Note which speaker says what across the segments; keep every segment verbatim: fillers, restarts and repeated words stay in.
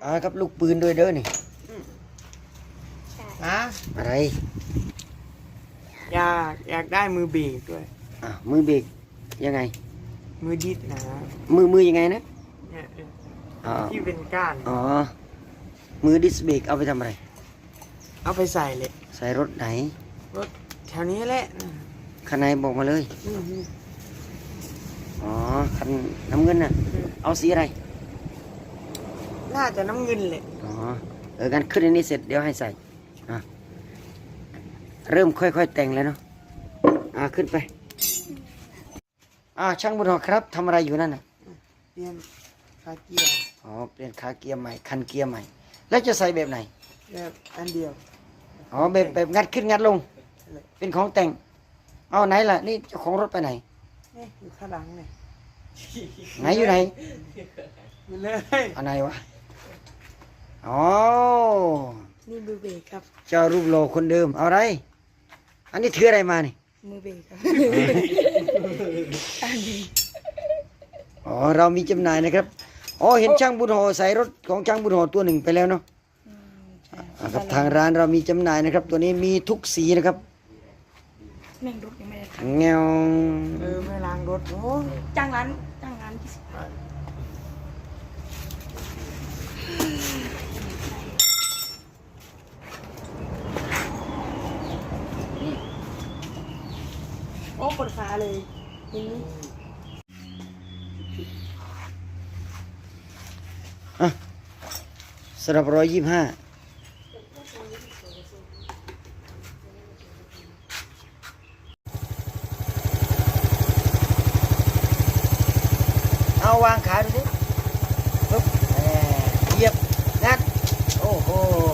Speaker 1: อ่าครับลูกปืนด้วยเด้อนี่
Speaker 2: นะ
Speaker 1: อะไร
Speaker 2: อยากอยากได้มือเบรกด้วย
Speaker 1: อ่ามือเบรกยังไง
Speaker 2: มือดิดนะ
Speaker 1: มือมือยังไงนะ
Speaker 2: เนี่ย
Speaker 1: อ๋อ
Speaker 2: ที่เป็นก้าน
Speaker 1: อ๋อมือดิสเบรกเอาไปทำอะไร
Speaker 2: เอาไปใส่เลย
Speaker 1: ใส่รถไหน
Speaker 2: รถแถวนี้แหละ
Speaker 1: คันไหนบอกมาเลย
Speaker 2: อืม
Speaker 1: อ๋อคันน้ำเงินน่ะเอาสีอะไร
Speaker 2: น่าจะน้ำเงินเลย
Speaker 1: อ๋อเออกันขึ้นอันนี้เสร็จเดี๋ยวให้ใส่อ่ะเริ่มค่อยๆแต่งแล้วเนาะอ่าขึ้นไปอ่าช่างบุญหอครับทำอะไรอยู่นั่นน่ะ
Speaker 2: เปลี่ยนคาเกียร์
Speaker 1: อ๋อเปลี่ยนขาเกียร์ใหม่คันเกียร์ใหม่ แล้วจะใส่แบบไหน
Speaker 2: แบบอันเดียว
Speaker 1: อ๋อแบบแบบงัดขึ้นงัดลง เป็นของแต่งเอาไหนล่ะนี่เจ้าของรถไปไหน
Speaker 2: นี่อยู่ข้างหลังเนี่ย
Speaker 1: ไหนอยู่ไหน
Speaker 2: อยู่เลย
Speaker 1: อันไหนวะอ๋อ
Speaker 3: นี่มือเบรกครับ
Speaker 1: เจ้ารูปโลคนเดิมเอาอะไร อันนี้ถืออะไรมานี่
Speaker 3: มือเบรกครับ อันนี้
Speaker 1: อ๋อเรามีจำหน่ายนะครับอ๋อเห็นช่างบุญโหใส่รถของช่างบุญโหตัวหนึ่งไปแล้วเนาะ
Speaker 3: อืมใช่
Speaker 1: อ่าครับทางร้านเรามีจำหน่ายนะครับ ตัวนี้มีทุกสีนะครับ
Speaker 3: แม่งรถยังไม่ได้ท
Speaker 1: เงว
Speaker 2: เออไม่ล้างรถโอ้
Speaker 3: ำจ้างร้านจ้างร้านยี่สิบ โอ้ปวดขาเลยทีนี้
Speaker 1: อ่ะสำหรับร้อยยี่สิบห้าเอาวางขาดูสิปึ๊บแหม่เหยียบงัดโอ้โห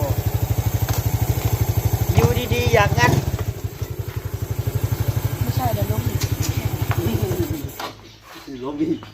Speaker 1: อยู่ดีๆอยากงัด
Speaker 3: ไม่ใช่เดี๋ยวล้มอีก
Speaker 1: ล้มอีก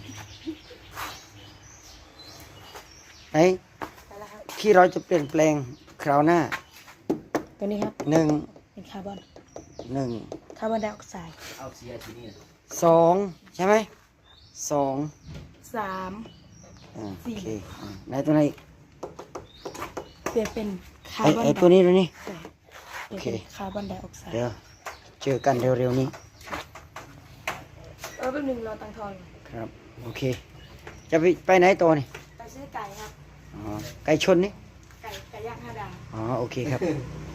Speaker 1: ไหน
Speaker 3: ไปแล้วครับ
Speaker 1: ที่เราจะเปลี่ยนแปลงคราวหน้า
Speaker 3: ตัวนี้ครับ
Speaker 1: หนึ่ง
Speaker 3: เป็นคาร์บอน
Speaker 1: หนึ่ง
Speaker 3: คาร์บอนไดออกไซด์
Speaker 1: สองใช่ไหมสอง
Speaker 3: สาม
Speaker 1: อ่าโอเคอ่าไหนตัวไหนอีก
Speaker 3: เปลี่ยนเป็นคา
Speaker 1: ไอ
Speaker 3: ร์บอน
Speaker 1: ไอตัวนี้ตัวนี้
Speaker 3: ใช่เปลี่ยนเป็นคาร์บอนไดออกไซด์
Speaker 1: เดี๋ยวเจอกันเร็วๆนี้
Speaker 3: เออแป๊บนึงรอตังค์ทอนก่อน
Speaker 1: ครับโอเค จะไปไปไหนตัวนี่
Speaker 3: ไปซื้อไก่ครับ
Speaker 1: อ๋อไก่ชนนี่
Speaker 3: ไก่ไก่ย่างห้าดาว
Speaker 1: อ๋อโอเคครับ